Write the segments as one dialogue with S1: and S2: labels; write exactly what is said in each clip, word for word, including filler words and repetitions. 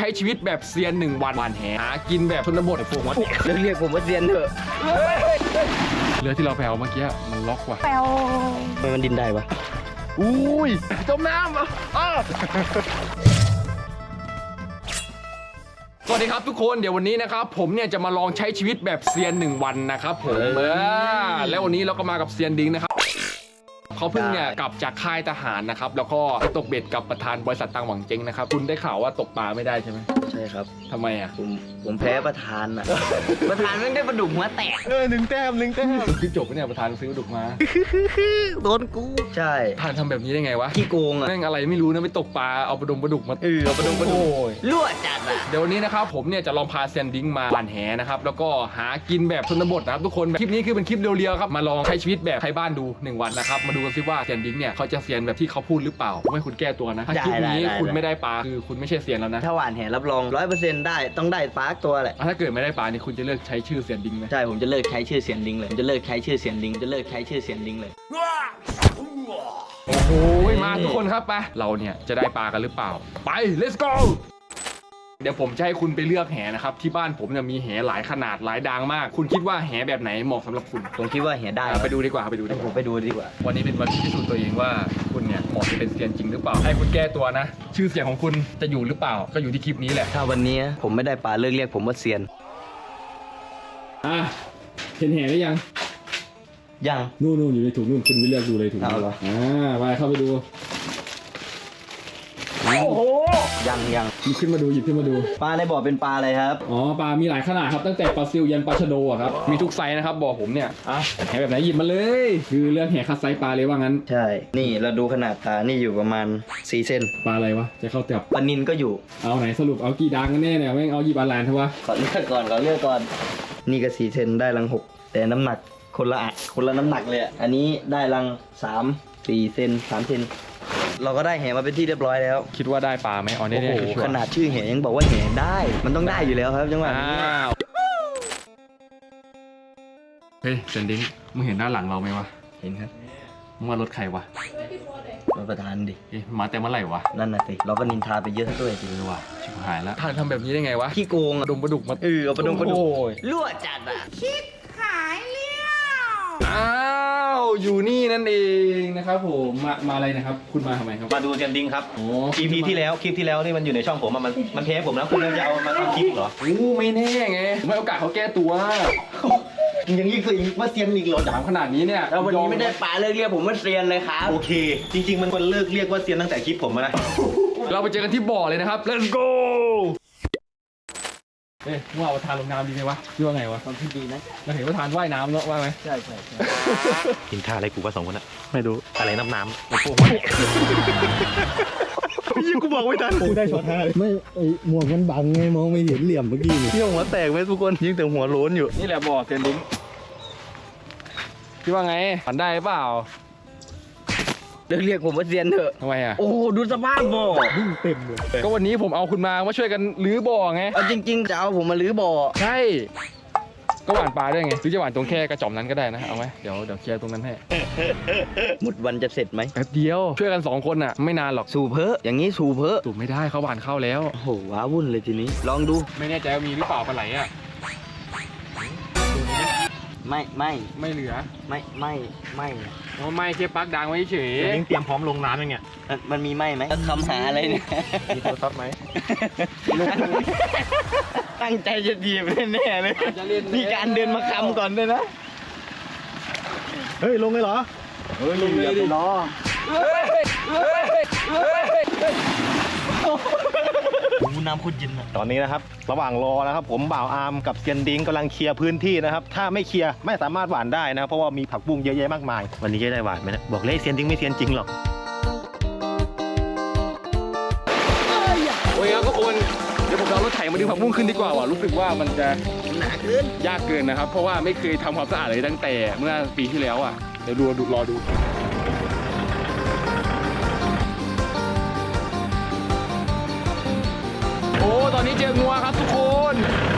S1: ช้ชีวิตแบบเซียนหนึ่งวันหวานแหหากินแบบชนบทโฟกัส
S2: เรียกเรียกผมว่าเซียนเถอะ
S1: เรือที่เราแปลเมื่อกี้มันล็อกว่ะ
S2: ทำไมมันดินได้วะ
S1: อุ้ยจมน้ำอ่ะอ้าวสวัสดีครับทุกคนเดี๋ยววันนี้นะครับผมเนี่ยจะมาลองใช้ชีวิตแบบเซียนหนึ่งวันนะครับผมเออแล้ววันนี้เราก็มากับเซียนดิ้งนะครับเขาเพิ่งเนี่ยกลับจากค่ายทหารนะครับแล้วก็ไปตกเบ็ดกับประธานบริษัทตังหวังเจ๊งนะครับคุณได้ข่าวว่าตกปลาไม่ได้ใช่ไหม
S2: ใช่ครับ
S1: ทำไมอ่ะ
S2: ผมผมแพ้ประธานอ่ะ ประธานไม่ได้ปลาดุกหัวแตก
S3: เออหนึ่งแต้มหนึ่งแต้ม
S1: ที่จบเนี่ยประธานซื้อดุกมา
S2: โดนกูใช่
S1: ประธานทำแบบนี้ได้ไงวะ
S2: ขี้โกงอ่ะ
S1: แม่งอะไรไม่รู้นะไปตกปลาเอาปลาดงปลาดุกมา
S2: เออเอาปลาดงปลาดุกรั่วจัดอ่ะ
S1: เดี๋ยววันนี้นะครับผมเนี่ยจะลองพาเซียนดิ้งมาหวานแหนะครับแล้วก็หากินแบบชนบทนะครับทุกคนคลิปนี้คือเป็นคลิปเรียวๆครับมาลองใช้ชีวิตแบบไทยบ้านดูหนึ่งวันนะครับมาดูกันซิว่าเซียนดิ้งเนี่ยเขาจะเซียนแบบที่เขาพูดหรือเปล่าไม่คุณแก้ตัวนะถ้าคลิปนี้คุณไม่ได้ปลาคือคุณไม่ใช่เซียนแล้วนะ
S2: ถ้าหวานแหรับรองร้อยเปอร์เซ็นต์ได้ต้องได้ปลาตัวแหละ
S1: ถ้าเกิดไม่ได้ปลานี่คุณจะเลิกใช้ชื่อเซียนดิ้งไหม
S2: ใช่ผมจะเลิกใช้ชื่อเซียนดิ้งเลยผมจะเลิกใช้ชื่อเซียนดิ้งจะเลิกใช้ชื่อเซียนดิ้งเลย
S1: โอ้โหมาทุกคนครับไปเราเนี่ยจะได้ปลากันหรือเปล่าไป let's go เดี๋ยวผมจะให้คุณไปเลือกแหนะครับที่บ้านผมเนี่ยมีแหหลายขนาดหลายดังมากคุณคิดว่าแหแบบไหนเหมาะสำหรับคุณ
S2: ผมคิดว่าแหได้
S1: ไปดูดีกว่าไปดูดีกว่า
S2: ผมไปดูดีกว่า
S1: วันนี้เป็นวันที่พิสูจน์ตัวเองว่าคุณเนี่ยเหมาะจะเป็นเซียนจริงหรือเปล่าให้คุณแก้ตัวนะชื่อเสียงของคุณจะอยู่หรือเปล่าก็อยู่ที่คลิปนี้แหละ
S2: ถ้าวันนี้ผมไม่ได้ปลาเลิกเรียกผมว่าเซียน
S1: อ่ะเห็นแหหรือยัง
S2: ยัง
S1: นู่นนู่นอยู่ในถุงนู่นคุณไปเลือกดูเลยถุง
S2: เอาเหรอ
S1: อ่าไปเข้าไปดู
S2: โอ้โหยังยัง
S1: หยิบขึ้นมาดูหยิบขึ้นมาดู
S2: ปลาในบ่อเป็นปลาอะไรครับ
S1: อ๋อปลามีหลายขนาดครับตั้งแต่ปลาซิลยันปลาชะโดอะครับมีทุกไซส์นะครับบ่อผมเนี่ยอ่ะแหแบบไหนหยิบมาเลยคือเลือกแหคัดไซส์ปลาเลยว่างั้น
S2: ใช่นี่เราดูขนาดปลานี่อยู่ประมาณสี่เซน
S1: ปลาอะไรวะจะเข้าจับ
S2: ปลานิลก็อยู่
S1: เอาไหนสรุปเอากี่ดังกันแน่เนี่ยแม่งเอาหยิบอันแลนเถอะวะ
S2: ขอเลือกก่อนขอเลือกก่อนนี่ก็สี่เซนได้รังหกแต่น้ำหนักคนละอ่ะคนละน้ำหนักเลยอันนี้ได้รังสามสี่เซนสามเซนเราก็ได้แหมาเป็นที่เรียบร้อยแล้ว
S1: คิดว่าได้ปลาไหมอ๋อนี่
S2: นี่ขนาดชื่อแหยังบอกว่าแหได้มันต้องได้อยู่แล้วครับจังหวะนี้
S1: เฮ้ยเซนดิ้งมึงเห็นด้านหลังเราไหมวะ
S2: เห็นครับ
S1: มึงว่ารถใครวะ
S2: รถประธานดิ
S1: เอ๊ะมาแต่เมื่อไหร่วะ
S2: นั่นน่ะสิเราก็นินทาไปเยอะด้วยจริง
S1: เลยว่ะชิบหายแล้วท่านทำแบบนี้ได้ไงวะ
S2: ขี้โกง
S1: ดมปลาดุกมา
S2: เออเอาปลาดงปลาดุกรั่วจัดอ่ะคิด
S4: หายเลี้ยว
S1: อ้าวอยู่นี่นั่นเองนะครับผมมามาอะไรนะครับคุณมาทำไมครับ
S3: มาดูเซียนดิ้งครับโอ้ อี พี ที่แล้วคลิปที่แล้วนี่มันอยู่ในช่องผมมันมันเทปผมแล้วคุณจะเอามาทำคลิปเหรอ
S1: โอ้ไม่แน่ไงไม่โอกาสเขาแก้ตัว
S2: ยังยิ่งคืออีกว่าเซียนอีกเหรอ
S1: ถามขนาดนี้เนี่ย
S2: แล้ววันนี้ไม่ได้ปลาเลิกเรียกผมว่าเซียนเลยครับ
S3: โอเคจริงๆมันควรเลิกเรียกว่าเซียนตั้งแต่คลิปผมนะ
S1: เราไปเจอกันที่บ่อเลยนะครับ let's go เอ๊ะว่าประธานลงน้ำดีไหมวะคิดว่าไงวะ
S2: ความคิดดีนะ
S1: เราเห็นประธานว่ายน้ำเนาะว่าไหม
S2: ใช่ใช่ใช่
S3: กินท่าอะไรกูว่าสองคนอะ
S1: ไม่รู้
S3: อะไรน้ำน้ำโอ้โหยิ่งกูบอกไม่ทัน
S1: กูได้ช็อตห้า
S5: ไม่ไอหมวกมันบังไงมองไม่เห็นเหลี่ยมเมื่อกี้นี่
S3: เที่ยวหัวแตกไหมทุกคนยิ่งแต่หัวโล้นอยู่
S1: นี่แหละบ่อเซนดิ้งคิดว่าไงผ่านได้เปล่า
S2: เลิกเรียกผมว่าเซียนเถอะ
S1: ทำไมอ่ะ
S2: โอ้ดูสภาพบ่อ
S5: เต็มเลย
S1: ก็วันนี้ผมเอาคุณมามาช่วยกันรื้อบ่อไง
S2: เอาจริงๆจะเอาผมมารื้อบ่อ
S1: ใช่ก็หวานปลาด้วยไงหรือจะหวานตรงแค่กระจ่อมนั้นก็ได้นะเอาไหมเดี๋ยวเดี๋ยวเคลียร์ตรงนั้นให้
S2: หมดวันจะเสร็จไหม
S1: แป๊บเดียวช่วยกันสองคนอ่ะไม่นานหรอก
S2: สูบเพ้ออย่างนี้สูบเพ้อ
S1: สูบไม่ได้เขาหวานเข้าแล้ว
S2: โอ้โหว้าวุ่นเลยทีนี้ลองดู
S1: ไม่แน่ใจว่ามีหรือเปล่าปลาไหลอ่ะ
S2: ไม่ไม่
S1: ไม่เหลือ
S2: ไม่ไม่ไม่
S1: เพราะไม่แค่ปักดังไว้เฉย
S3: ยิ่งเตรียมพร้อมลงน้ำอย่างเงี้ย
S2: มันมีไม่ไหมคำหาอะไรเนี่ย
S3: มีโทรศัพท์ไหม
S2: ตั้งใจจะดีบแน่เลยมีการเดินมาคำก่อนด้วยนะ
S3: เฮ้ยลงเลยเหรอ
S2: เฮ้ยลงเลยดิล้อน้ำขุ่นยิน
S3: ตอนนี้นะครับระหว่างรอนะครับผมบ่าวอาร์มกับเซียนดิ้งกำลังเคลียร์พื้นที่นะครับถ้าไม่เคลียร์ไม่สามารถหวานได้นะเพราะว่ามีผักบุ้งเยอะแยะมากมายวันนี้จะได้หวานไหมนะบอกเลยเซียนดิ้งไม่เซียนจริงหรอก
S1: โอ้ยครับทุกคนเดี๋ยวผมเอารถไถมาดึงผักบุ้งขึ้นดีกว่าว่ะรู้สึกว่ามันจะ
S2: หนาขึ้น
S1: ยากเกินนะครับเพราะว่าไม่เคยทำความสะอาดเลยตั้งแต่เมื่อปีที่แล้วอ่ะเดี๋ยวดูดูรอดูโอ้ตอนนี้เจองัวครับทุกคน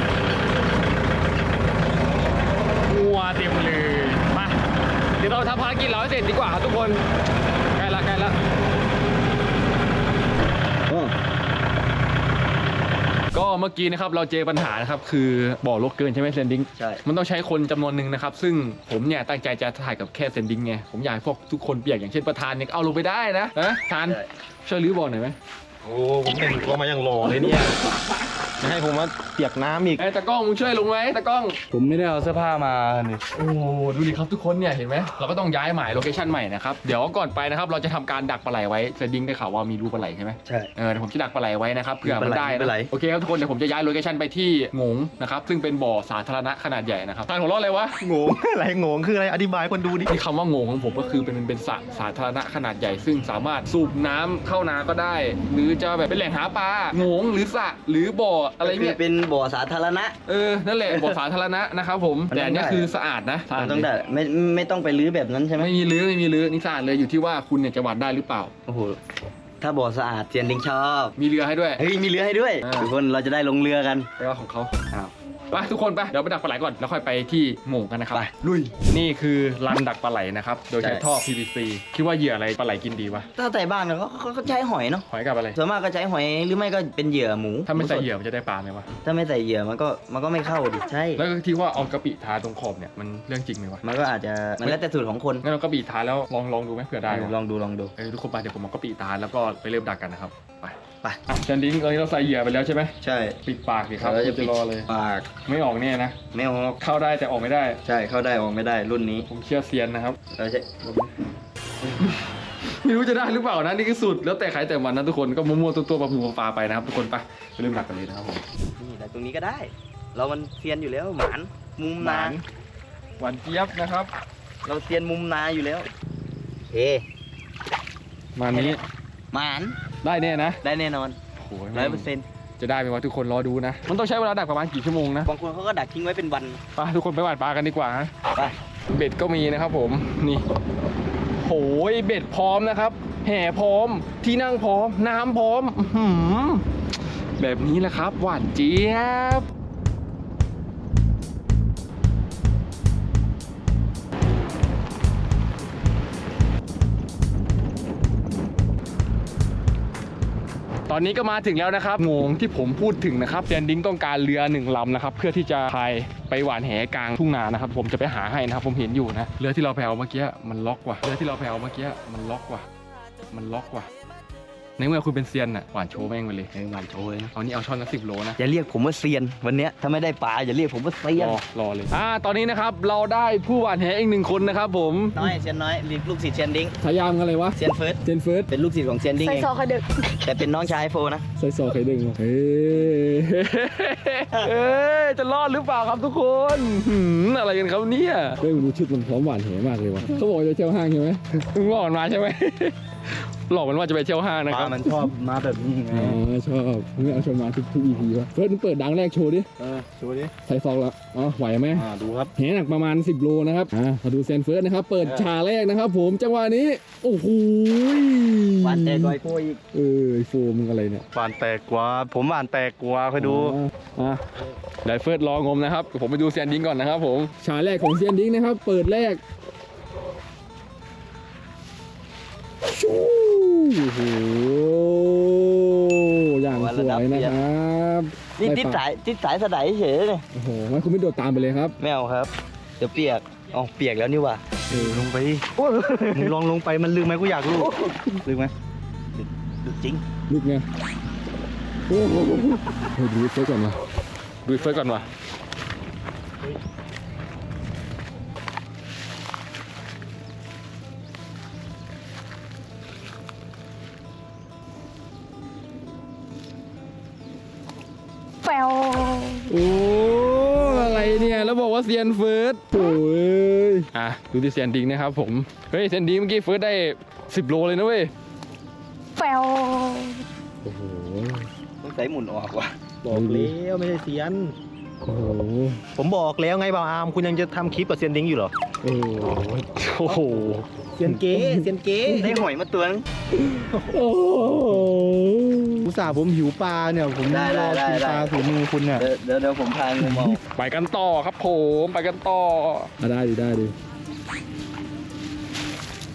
S1: งัวเต็มเลยมาเดี๋ยวเราทำภารกิจเราให้เสร็จดีกว่าครับทุกคนใกล้ละใกล้ละก็เมื่อกี้นะครับเราเจอปัญหานะครับคือบ่อรกเกินใช่ไหมเซนดิ้ง
S2: ใช่
S1: มันต้องใช้คนจำนวนหนึ่งนะครับซึ่งผมเนี่ยตั้งใจจะถ่ายกับแค่เซนดิ้งไงผมอยากให้พวกทุกคนเปียกอย่างเช่นประธานเนี่ยเอาลงไปได้นะนะทาน
S2: ใช่
S1: ช่วยรื้อบ่อหน่อยไหม
S3: โอ้ผมแต่งตัวมาอย่างหล่อเลยเนี่ยจะให้ผมมาเปียกน้ำอีก
S1: ไอ้ตากล้องมึงช่วยลงไหมตากล้อง
S5: ผมไม่ได้เอาเสื้อผ้ามาเนี่ย
S1: โอ้ดูดิครับทุกคนเนี่ยเห็นไหมเราก็ต้องย้ายหมายโลเคชั่นใหม่นะครับเดี๋ยวก่อนไปนะครับเราจะทำการดักปลาไหลไว้เซนดิ้งได้ข่าวว่ามีรูปลาไหลใช่ไหม
S2: ใช่
S1: เออเดี๋ยวผมจะดักปลาไหลไว้นะครับเผื่อมันได้
S2: ปลาไหล
S1: นะโอเคครับทุกคนเดี๋ยวผมจะย้ายโลเคชั่นไปที่หงงนะครับซึ่งเป็นบ่อสาธารณะขนาดใหญ่นะครับทานหัวเราะอะไรวะ
S3: โงง อะไรโงงคืออะไรอธิบายคนดูดิ
S1: ที่คำว่าโงงของผมก็คือเป็นเป็นสระสาธารณะขนาดใหญ่ ซึ่งสามารถสูบน้ำเข้านาก็ได้ หรือจะแบบเป็นแหล่งหาปลาโงงหรือสระหรือบ่ออะไรเนี่ย
S2: เป็นบ่อสาธารณะ
S1: เออนั่นแหละบ่อสาธารณะนะครับผม
S2: มัน
S1: แต่อันเนี้ย
S2: ได้
S1: คือสะอาดนะสะอาด
S2: ต้องได้ไม่ไม่ต้องไปรื้อแบบนั้นใช่ไหม
S1: ไม่มีรื้อไม่มีรื้อนี่สะอาดเลยอยู่ที่ว่าคุณเนี่ยจะหวานได้หรือเปล่า
S2: โอ้โหถ้าบ่อสะอาดเซียนดิงชอบ
S1: มีเรือให้ด้วย
S2: เฮ้ยมีเรือให้ด้วย
S1: อ่า
S2: ทุกคนเราจะได้ลงเรือกัน
S1: ไปว่าของเขา
S2: อ้าว
S1: ไปทุกคนไปเดี๋ยวไปดักปลาไหลก่อนแล้วค่อยไปที่โง่งกันนะครับ
S2: ไป
S1: ลุยนี่คือรันดักปลาไหลนะครับโดยใช้
S2: ใช่
S1: ท่อ พี วี ซี คิดว่าเหยื่ออะไรปลาไหลกินดีวะ
S2: ถ้าแต่บ้านเราก็เขาก็ใช้หอยเนาะ
S1: หอยกับอะไร
S2: ส่วนมากก็ใช้หอยหรือไม่ก็เป็นเหยื่อหมู
S1: ถ้าไม่ใส่
S2: มูสด
S1: เหยื่อมันจะได้ปลาไหมวะ
S2: ถ้าไม่ใส่เหยื่อมันก็มันก็ไม่เข้าดิใช่
S1: แล้วก็ที่ว่าเอากะปิทาตรงขอบเนี่ยมันเรื่องจริงไหมวะ
S2: มันก็อาจจะมันแล้วแต่สูตรของคน
S1: งั้นเรากะปิทาแล้วลองลองดูไหมเผื่อได้วะ
S2: ลองดูลองดู
S1: เออทุกคนไปเดี๋ยวผมเอากะปิทาแล้วก็ไปเริ่มดักกันนะครับไป
S2: ไป
S1: อ่ะแซนดิ้งตอนนี้เราใส่เหยื่อไปแล้วใช่ไหม
S2: ใช่
S1: ปิดปากดิครับ
S2: เราจะ
S1: จะรอเลย
S2: ปาก
S1: ไม่ออกแน่นะ
S2: ไม่ออก
S1: เข้าได้แต่ออกไม่ได้
S2: ใช่เข้าได้ออกไม่ได้รุ่นนี้
S1: ผมเชื่อเซียนนะครับ
S2: เราใช้
S1: ไม่รู้จะได้หรือเปล่านะนี่คือสุดแล้วแต่ใครแต่มันนะทุกคนก็มั่วๆตัวๆปลาผูปลาไปนะครับทุกคนไปไปเริ่มดักกันเลยนะครับผม
S2: นี่แต่ตรงนี้ก็ได้ เรามันเซียนอยู่แล้วหมานมุม
S1: ห
S2: นา
S1: วานหวานเจี๊ยบนะครับ
S2: เราเซียนมุมนาอยู่แล้วเฮ
S1: มานี้
S2: หมาน
S1: ได้แน่นะ
S2: ได้แน่นอน
S1: โอ้ย
S2: ร้อยเปอร์เซ็นต์
S1: จะได้ไหมวะทุกคนรอดูนะ มันต้องใช้เวลาดักประมาณกี่ชั่วโมงนะ
S2: บางคนเขาก็ดักทิ้งไว้เป็นวัน
S1: ไปทุกคนไปหวานปลากันดีกว่าฮะ
S2: ไป
S1: เบ็ดก็มีนะครับผมนี่โหยเบ็ดพร้อมนะครับ แห่พร้อมที่นั่งพร้อมน้ำพร้อมอื้อหือแบบนี้แหละครับหวานเจี๊ยบตอนนี้ก็มาถึงแล้วนะครับโงงที่ผมพูดถึงนะครับเซียนดิ้งต้องการเรือหนึ่งลำนะครับเพื่อที่จะพายไปหวานแหกลางทุ่งนานะครับผมจะไปหาให้นะครับผมเห็นอยู่นะเรือที่เราแพวเมื่อกี้มันล็อกว่ะเรือที่เราแพวเมื่อกี้มันล็อกว่ะมันล็อกว่ะในเมื่อคุณเป็นเซียนน่ะหวานโชว์แม่งไปเลย
S2: เฮ้ยหวานโชยนะ
S1: เอานี่เอาช่อนละสิบโลนะ
S2: อย่าเรียกผมว่าเซียนวันเนี้ยถ้าไม่ได้ปลาอย่าเรียกผมว่าเซียน
S1: รอรอเลยอ่าตอนนี้นะครับเราได้ผู้หวานแหอีกหนึ่งคนนะครับผม
S2: น้อยเซียนน้อยลูกศิษย์เซียนดิ้ง
S1: ฉายามกันอะไรวะ
S2: เซียนเฟิร์ส
S1: เจนเฟิร์ส
S2: เป็นลูกศิษย์ของเซียนดิ้ง
S4: ใส่
S2: เอง
S4: ซอคอยดึก
S2: แต่เป็นน้องชายโฟนะ
S1: ใส่ซอไข่ดึงเฮ้ยเอ้ยจะรอดหรือเปล่าครับทุกคนหืมอะไรกันครับเนี่ย
S5: เฮ้ยดูชุดมันพร้อมหวานเหมากเลยว่ะเขาบอกจะเที่ยวห้างใช่ไหม
S1: มึงหลอกมันมาใช่ไหม หลอกมันว่าจะไปเที่ยวห้างนะ
S2: ป
S1: ครั
S2: ลา
S1: บ
S2: มันชอบมาแบบนี้ไง
S5: อ๋อชอบมึงเอาชมมาทุกทุกอีพีวะเฟิร์สมึงเปิดดังแรกโชว์ดิ
S3: เออดูดิ
S5: ใส่ซองละอ๋อไหวไหม
S3: อ่าดูครับ
S5: แหหนักประมาณสิบโลนะครับอ่ามาดูเซนเฟิร์สนะครับเปิดฉากแรกนะครับผมจังหวะนี้โอ้โห
S2: หวานแต่ก้อยโฟอีก
S5: เออไอโฟมึงอะไรเนี่ย
S3: หวานแตกกว่า ผมหวานแตกกว่าคอยดู
S5: อ๋ออ่ะ
S1: ไดเฟิร์สรองมนะครับผมไปดูเซียนดิ้งก่อนนะครับผม
S5: ฉากแรกของเซียนดิ้งนะครับ เปิดแรกชูโอ้โหอย่างสวยนะครับ
S2: นี่
S5: ได้
S2: ติด
S5: ปะ
S2: สายติดสายสะไดเฉยเลย
S5: โอ้โหงั้นคุณไม่โดดตามไปเลยครับ
S2: ไม่เอาครับ เดี๋ยวเปียกอ๋อเปียกแล้วนี่หว่า
S3: เออลงไปดิมึงลองลงไปมันลึกไหมกูอยากรู้ลึกไหม
S2: ดูจริง
S5: ลูกไงโอ้โหเฮ้ยดูเฟิร์สก่อนมา
S1: ดูเฟิร์สก่อนว่ะ
S4: แปว
S5: โอ้อะไรเนี่ยแล้วบอกว่าเซียนเฟิร์สโอ้ย
S1: อ่ะดูที่เซียนดิ้งนะครับผมเฮ้ยเซียนดิ้งเมื่อกี้เฟิร์สได้สิบโลเลยนะเว้ย
S4: แปว
S5: โอ้โห
S2: ต้องใส่หมุนออกว่ะ
S3: บอกแล้วไม่ใช่เซียน
S5: โอ้โห
S3: ผมบอกแล้วไงบ่าวอาร์มคุณยังจะทำคลิปกับเซียนดิ้งอยู่เหรอ
S5: โอ้โห
S1: โอ้โห
S3: เซียนเก๋เซียนเก๋
S2: ได้หอยมาตัวนึง
S5: โอ้โห
S3: อุตส่าห์ผมหิวปลาเนี่ยผม
S2: ได้
S3: ร
S2: ได้
S3: อ
S2: ได้
S3: กินปลา
S2: ได้
S3: ฝีมือคุณเนี่ย
S2: เดี๋ยวเดี๋ยวเดี๋ยวผมพางูมาออก
S1: ไปกันต่อครับผมไปกันต่อ
S5: อ่ะได้ดิได้ดิ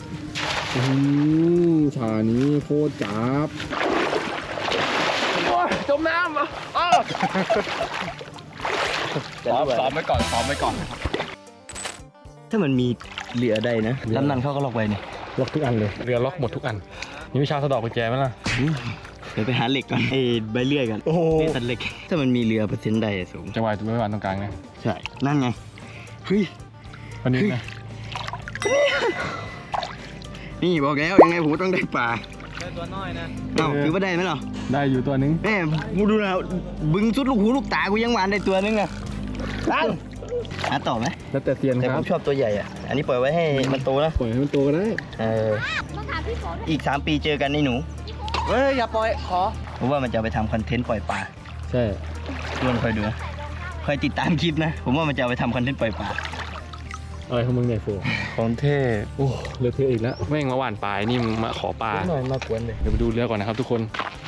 S5: อืมฉากนี้โคตรจับ
S1: จมน้ำอ้อซ้อมซ้อมไว้ก่อนซ้อมไว้ก่อน
S2: ถ้ามันมีเรือได้นะลำนั้นเขาก็ล็อกไว้นี่
S5: ล็อกทุกอันเลย
S1: เรือล็อกหมดทุกอันมีวิชาสะดอกกุญแจไหมล่ะ
S2: เดี๋ยวไปหาเหล็กก่อนไอ้ใบเลื่อยกันโอ้นี่ตัดเหล็กถ้ามันมีเรือเปอร์เซ็นต์ได้สูง
S1: จังหวะตัวไม่วานตรงกลางไง
S2: ใช่นั่นไงเฮ้ย
S1: วันนี้นะ
S2: นี่บอกแล้วยังไงผมต้องได้ปลาได้ตัวน้อยนะเอ้าคือว่าได้ไหมเหรอ
S1: ได้อยู่ตัวนึง
S2: แม่กูดูนะบึงสุดลูกหูลูกตากูยังหวานได้ตัวนึงนะตั้งหาต่อไหม
S1: แล้วแต่เซียน
S2: แต่
S1: ค
S2: ผ
S1: รับ
S2: มชอบตัวใหญ่อ่ะอันนี้ปล่อยไว้ให้มันโตนะ
S5: ปล่อยให้มันโตก็ได้
S2: เอออีกสามปีเจอกันในหนูเฮ้ยอย่าปล่อยขอผมว่ามันจะเอาไปทำคอนเทนต์ปล่อยปลา
S5: ใช่
S2: ทุกคนคอยดูนะคอยติดตามคลิปนะผมว่ามันจะเอาไปทำคอนเทนต์ปล่อยปลา
S5: อะไรของมึงเนี่ยโฟ
S1: ของเท่
S5: โอ้เลอะเทอะอีกแล้ว
S1: แม่งมาหว่านปลายนี่มึงมาขอปลา
S2: หน่อยมากวนเลย
S1: เดี๋ยวไปดูเรือก่อนนะครับทุกคน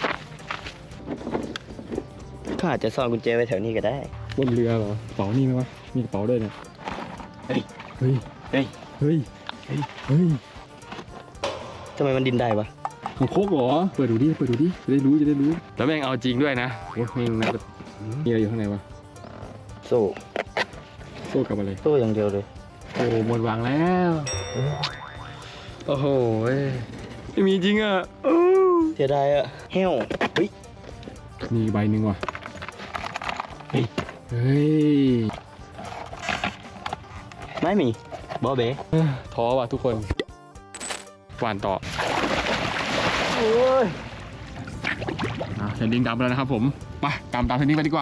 S2: เขาอาจจะซ่อนกุญแจไว้แถวนี้ก็ได้
S5: บนเรือเหรอกระเป๋านี่ไหมวะมีกระเป๋าด้วยเนี่ย
S2: เฮ้ย
S5: เฮ้ย
S2: เฮ้ย
S5: เฮ้ยเฮ้ยเฮ้ย
S2: ทำไมมันดินได้วะ
S5: ของโคกเหรอเปิดดูดิเปิดดูดิจะได้รู้จะได้รู้
S1: แล้วแม่งเอาจริงด้วยนะ
S5: โอ้แม่งน่าจะมีอะไรอยู่ข้างในวะ
S2: โซ่
S5: โซ่กับอะไร
S2: โซ่อย่างเดียวเลย
S1: โอ้หมดหวังแล้วโอ้โหไม่มีจริงอ่ะ
S2: เสียดายอะเฮ้วเฮ้ย
S5: มีอีกใบหนึ่งว่ะ
S2: เฮ้ย
S5: เฮ้ย
S2: ไม่มีบอเบ๋
S1: ท้อว่ะทุกคนหวานต่อ
S2: โอ้ย
S1: อ่ะเซนดิ้งดำไปแล้วนะครับผมไปตามตามเซนดิ้งไปดีกว่า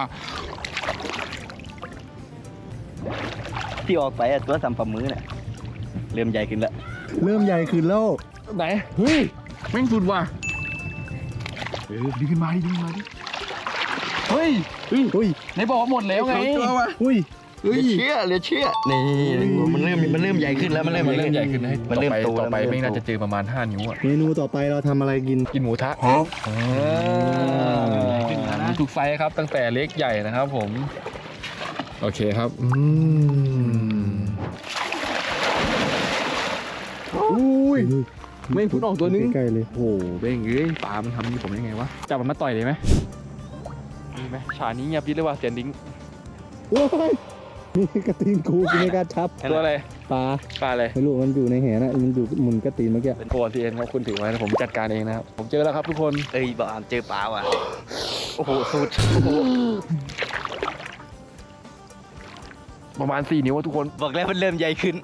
S2: ที่ออกไปอะตัวสัมผัสมือเนี่ยเริ่มใหญ่ขึ้นแล้ว
S5: เริ่มใหญ่ขึ้นแล้ว
S1: ไหนเฮ้ยแม่งสุดว่ะ
S5: เออดึงขึ้นมาดิดึงขึ้นมาดิ
S1: เฮ้ย
S5: เฮ้ยเฮ้ย
S1: ไหนบอกว่าหมดแล้วไง
S5: เฮ้ย
S2: เหลือเชื่อเหลือเชื่อนี่มันเริ่มมันเริ่มใหญ่ขึ้นแล้วมันเริ่ม
S1: มันเริ่มใหญ่ขึ้นนะให้
S2: มันเริ่มโต
S1: ต่อไป
S2: แล้ว
S1: ไม่
S2: น
S1: น่า
S2: เริ่
S1: จะเจอประมาณห้านิ้วอ่ะ
S5: เมนูต่อไปเราทำอะไรกิน
S1: กินหมูทะมีทุกไซส์ครับตั้งแต่เล็กใหญ่นะครับผมโอเคครับอืม
S5: อุ้ย
S1: แม่งพุ่งออกตัวนึง
S5: ใกล้ๆเลย
S1: โอ้โหเบ้งเอ้ยปลามันทำนี่ผมได้ไงวะจับมันมาต่อยเลยไหมมีไหมฉากนี้เงียบยิบเลยว่าเสียนดิ้ง
S5: โอ้ยนี่กระตีนกูกูไม่กล้าชับ
S1: ตัวอะไร
S5: ปลา
S1: ปลาอะไร
S5: ไม่รู้มันอยู่ในแหนะมันอยู่หมุนกระตีนเมื่อกี้
S1: เป็นตัวทีเอ็นครับคุณถือไว้นะผมจัดการเองนะครับผมเจอแล้วครับทุกคน
S2: เอ้ยบอกอามเจอปลาว่ะโอ้โหสุด
S1: ประมาณสี่นิ้วอะทุกคน
S2: บอกแล้วมันเริ่มใหญ่ขึ้น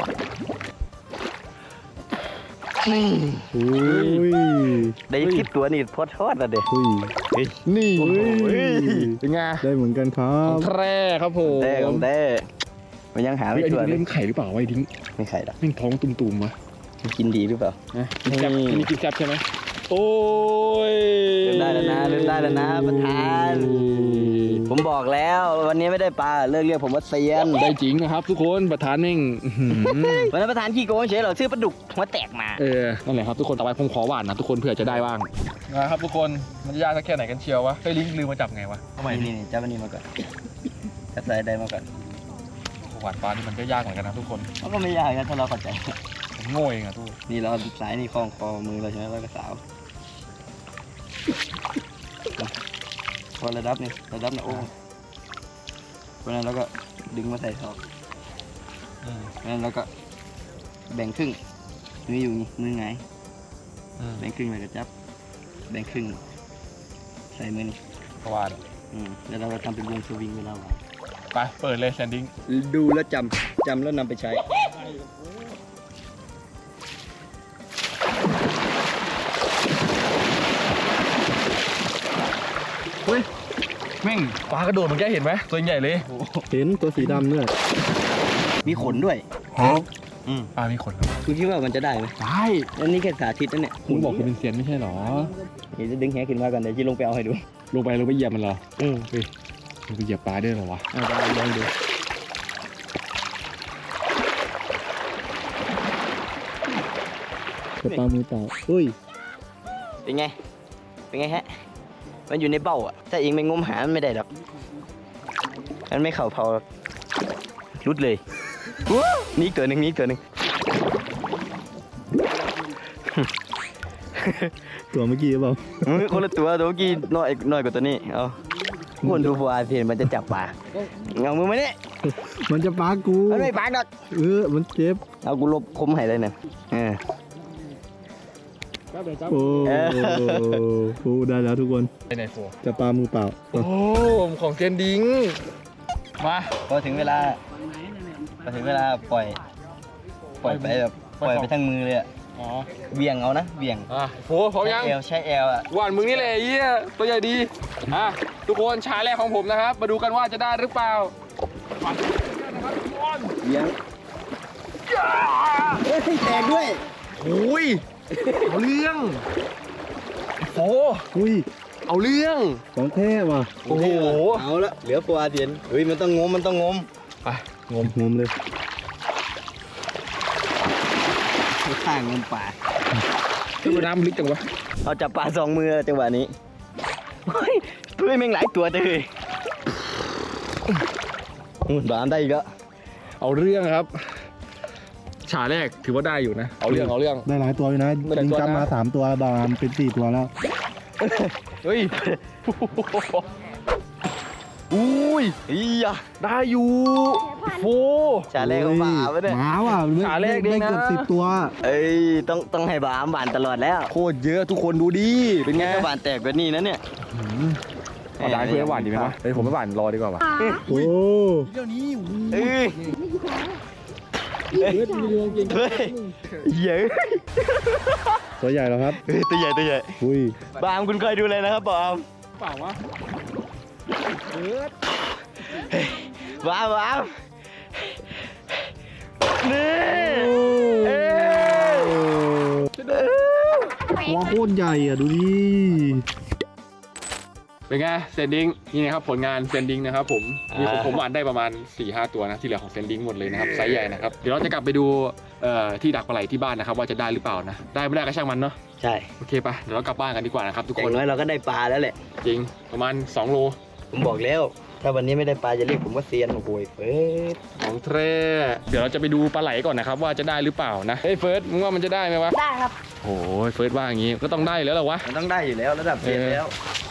S2: นี่
S5: อุ้ย
S2: ได้คลิปตัวนี่พอทอดละเด็ก
S5: อุ้ย
S2: เฮ้ย
S5: นี่
S2: โอ้โห
S1: เป็นไง
S5: ได้เหมือนกันครั
S1: ของ
S5: บ
S1: แท้ครับผม
S2: แต่ของแต่มันยังหา
S1: ไอ้
S2: ไม่
S1: ดิ้
S2: ตัว
S1: ง
S2: เล
S1: เล่
S2: ย
S1: นไข่หรือเปล่าวะไอ้ดิ้ง
S2: ไม่ไข่ละ
S1: แม่งท้องตุ่มๆวะ
S2: มันกินดีหรือเปล่า
S1: นะกินแซ่บ
S2: นี่
S1: อันนี้กินแซ่บใช่ไหมโอ้ย
S2: เริ่มได้แล้วนะเริ่มได้แล้วนะประธาน ผมบอกแล้ววันนี้ไม่ได้ปลาเลิกเรียกผมว่าเซียน
S1: ได้จริงนะครับทุกคนประธานแม่งอื้อหือ
S2: วันนั้นประธานขี้โกงเฉยเหรอซื้อปลาดุกหัวแตกมา
S1: เออนั่นแหละครับทุกคนต่อไปผมขอหวานนะทุกคนเผื่อจะได้บ้างนะครับทุกคนมันจะยากสักแค่ไหนกันเชียววะเฮ้ยลิงลืมมาจับไงวะทำไม
S2: นี่นี่จับอันนี้มาก่อนจับสายได้มาก่อน
S1: หวานปลานี่มันก็ยากเหมือนกันนะทุกคน
S2: มันก็ไม่ยากนะถ้าเราเข้าใจ
S1: ผมโง่เองอะทุก
S2: นี่เราสายนี่คล้องคอมือเราใช่ไหมแล้วก็สาวพอระดับนี่ระดับนะโอ้เพราะนั้นเราก็ดึงมาใส่ท่อเพราะนั้นเราก็แบ่งครึ่งมืออยู่นี่มือไงายแบ่งครึ่งเลยก็จับแบ่งครึ่งใส่มือนี่
S1: เพราะว่า
S2: อืมแล้วเราก็ทำเป็นวงสวิงเวลาหวาน
S1: ไปเปิดเลยแซนดิ้ง
S2: ดูแล้วจำจำแล้วนำไปใช้
S1: เฮ้ยแม่งปลากระโดดเมื่อกี้เห็นไหมตัวใหญ่เลย
S5: เห็นตัวสีดำเนี่ย
S2: มีขนด้วยอืม
S1: ปลามีขนเหรอ
S2: คุณคิดว่ามันจะได้ไหม
S1: ได้
S2: อันนี้แค่สาธิตนั่นเนี่ย
S1: คุณบอกคุณเป็นเซียนไม่ใช่เหรอ
S2: เดี๋ยวจะดึงแหขึ้นมาก่อนเดี๋ยวจะลงไปเอาให้ดู
S1: ลงไปลงไปเหยียบมันเหรอ
S2: อืม
S1: เฮ้ยลงไปเหยียบปลาด้วยเหรอวะ
S2: เอาไปลองดู
S5: แต่ปลามือเปล่าเฮ้ย
S2: เป็นไง เป็นไงฮะ มันอยู่ในเบ้าอ่ะ ถ้าเองไม่งมหา มันไม่ได้หรอก มันไม่เข่าเผาหรอกรุดเลยว้าวนี่อีกตัวหนึ่งนี่อีกตัวหนึ่ง
S3: ตัวเมื่อกี้หรือเปล่า
S2: เฮ้ยคนละตัวตัวเมื่อกี้น้อยน้อยกว่าตัวนี้เอาคนดูฟัวเพียนมันจะจับปลาเอามือมาเนี่ย
S3: มันจะปากู
S2: มันไม่ปากหรอก
S3: เออมันเจ็บ
S2: เอากูลบคมให้เลยเนี่ยเออ
S3: โอ้โหได้แล้วทุกคน
S1: ไปไหนโฟ
S3: จะปลามือเปล่า
S1: โอ้ของเซียนดิงมา
S2: พอถึงเวลาพอถึงเวลาปล่อย ปล่อยไปแบบปล่อยไปทั้งมือเลยอะ
S1: อ๋อ
S2: เบี่ยงเอานะเบี่ยง
S1: อ่ะโฟพร้อมยัง
S2: ใช้เอวใช้เอวอ่ะ
S1: หวานมึงนี่แหละไอ้เหี้ยตัวใหญ่ดีอ่ะทุกคนชาแรกของผมนะครับ มาดูกันว่าจะได้หรือเปล่าหวานนะครับทุกคน
S2: เบี่ยงเฮ้ยแตกด้วย
S1: โอ้ยเอาเรื่องโฟ
S3: อุ้ย
S1: เอาเรื่อง
S3: ของแท้ว่ะ
S1: โอ้โห
S2: เอาละเหลือฟัวเพียนเฮ้ยมันต้องงมมันต้องงม
S1: ไป
S3: งมงมเลย
S2: ข้างงมป่า
S1: ดูน้ำลึกจังวะ
S2: เอาจับปลาสองมือจังหวะนี้เฮ้ยเฮ้ยแม่งหลายตัวเลยอุ่นบามได้อีกแล้ว
S1: เอาเรื่องครับ ฉาแรกถือว่าได้อยู่นะ เอาเรื่องเอาเรื่อง
S3: ได้หลายตัวอยู่นะ
S1: ได้หลายตัวนะ
S3: จำมาสามตัวบางเป็นสี่ตัวแล้ว
S1: เฮ้ย
S2: อุ้ยอีอะ
S1: ได้อยู่โฟ
S2: ชาแรกของป่าวะเนี่ย
S3: หมาว่ะ
S1: หมาแรกดีนะ
S3: ได้เกือบสิบตัว
S2: เอ้ยต้องต้องให้บามบานตลอดแล้ว
S1: โคตรเยอะทุกคนดูดิเป็นไง
S2: ถ้าบานแตกกว่านี้นะเนี่ย
S1: เอาได้เพื่อนหวานดีไหมวะเฮ้ยผมไม่หวานรอดีกว่าวะ
S3: โอ้
S2: เอ้ย
S3: เฮ้ยมีดวงจริง
S2: เฮ้ยเยอะ
S3: ตัวใหญ่แล้วครับ
S2: เฮ้ยตัวใหญ่ตัวใหญ่
S3: อุ้ย
S2: บามคุณเคยดูเลยนะครับบาม
S1: เปล่าวะ
S2: บามบามนี่เอ้ย
S3: ตัวโคตรใหญ่อ่ะดูดิ
S1: เป็นไงเซนดิ้งนี่นะครับผลงานเซนดิ้งนะครับผมมีของผมหวานได้ประมาณ สี่ห้า ตัวนะที่เหลือของเซนดิ้งหมดเลยนะครับไซส์ใหญ่นะครับเดี๋ยวเราจะกลับไปดูเอ่อที่ดักปลาไหลที่บ้านนะครับว่าจะได้หรือเปล่านะได้ไม่ได้ก็ช่างมันเนาะ
S2: ใช่
S1: โอเคปะเดี๋ยวเรากลับบ้านกันดีกว่านะครับทุก
S2: อ
S1: คน
S2: ย่างน้อยเราก็ได้ปลาแล้วแหละ
S1: จริงประมาณสองโล
S2: ผมบอกแล้ว ถ้าวันนี้ไม่ได้ปลาจะเรียกผมว่าเซียนโอ้โหเฟิร์ส
S1: ของแท้เดี๋ยวเราจะไปดูปลาไหลก่อนนะครับว่าจะได้หรือเปล่านะเฮ้ยเฟิร์สมึงว่ามันจะได้ไหมวะ
S4: ได้ครับ
S1: โอ้ยเฟิร์สว่าอย่างงี้ก็ต้องได้แล้วเหรอวะ
S2: มันต้องได้อยู่แล้วระดับเซียนแล้ว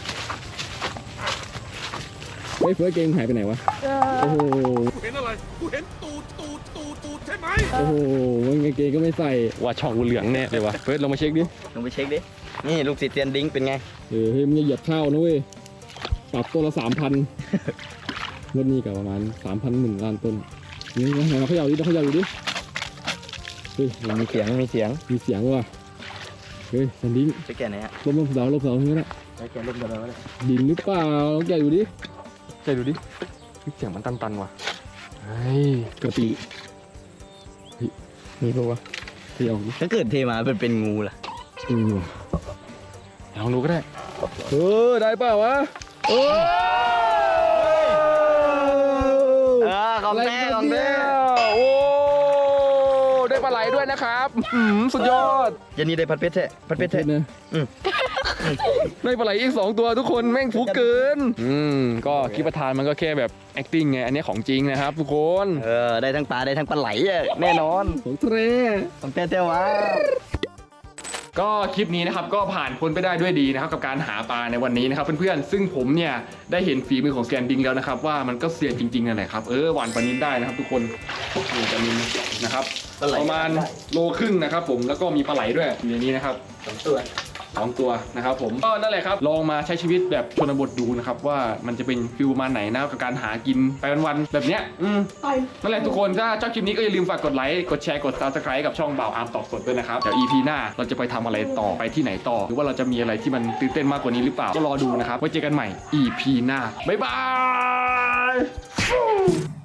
S5: เฮ้ยเฟิร์สเกงหายไปไหนวะ
S4: เออ
S5: โอ้โห
S1: เห็นอะไรกูเห็นตูดตูดตูดตูดใช่ไหม
S5: โอ้โหมันกางเกงก็ไม่ใส่
S1: ว่าช่องกูเหลืองแน่เลยวะเฟิร์สลองมาเช็คดิ
S2: ลองไปเช็คดิ นี่ลูกศิษย์เซียนดิ้งเป็นไง
S5: เออเฮ้ยมึงอย่าเหยียบข้าวนะเว้ยปรับตัวละสามพันงวดนี้กับประมาณสามพันหนึ่งล้านต้นนี่นะไหนมาเขย่าดิต้องเขย่าอยู่ดิเฮ้ย
S2: มีเสียงมีเสียง
S5: มีเสียงว่ะเฮ้ยสันดิ้ง
S2: ไปแก่ไหนฮะ
S5: ลมลมเสาลมเสาอย่างนี้นะ
S2: ไปแก่ลมกันแล้วเลย
S5: ดินหรือเปล่าลองแกะดูดิ
S1: ใจดูดิเสียงมันตันๆว่ะเฮ้ย
S5: กะปิเฮ้ยมีปะวะเขย่าดิ
S2: ถ้าเกิดเทมาเป็นเป็นงูล่ะ
S5: เออว่ะ
S1: ลองดูก็ได้เออได้เปล่าวะโอ้
S2: เออของแท้ของแท้
S1: โอ้ได้ปลาไหลด้วยนะครับอืมสุดยอด
S2: ยันนี้ได้พัดเพชรแท้พัดเพชรแท้
S5: นะ
S1: ได้ปลาไหลอีกสองตัวทุกคนแม่งฟุกเกินอืมก็คลิปประธานมันก็แค่แบบ acting ไงอันนี้ของจริงนะครับทุกคน
S2: เออได้ทั้งปลาได้ทั้งปลาไหลอะแน่นอน
S5: ของเทร
S2: ของแท้แท้วะ
S1: ก็คลิปนี้นะครับก็ผ่านพ้นไปได้ด้วยดีนะครับกับการหาปลาในวันนี้นะครับเพื่อนๆซึ่งผมเนี่ยได้เห็นฝีมือของแซนดิ้งแล้วนะครับว่ามันก็เซียนจริงๆนั่นแหละครับเออหวานปลานินได้นะครับทุกคนนี่ปลานินนะครับประมาณโลครึ่งนะครับผมแล้วก็มีปลาไหลด้วยอยู่ในนี้นะครับ
S2: สองตัว
S1: สองตัวนะครับผมก็นั่นแหละครับลองมาใช้ชีวิตแบบชนบทดูนะครับว่ามันจะเป็นฟิลประมาณไหนนะกับการหากินไปวันๆแบบเนี้ยอืมนั่นแหละทุกคนถ้าชอบคลิปนี้ก็อย่าลืมฝากกดไลค์กดแชร์กด ซับสไครบ์ กับช่องบ่าวอาร์มตอกสดด้วยนะครับเดี๋ยว อี พี หน้าเราจะไปทำอะไรต่อไปที่ไหนต่อ หรือว่าเราจะมีอะไรที่มันตื่นเต้นมากกว่านี้หรือเปล่าก็รอดูนะครับไว้เจอกันใหม่ อี พี หน้าบ๊ายบาย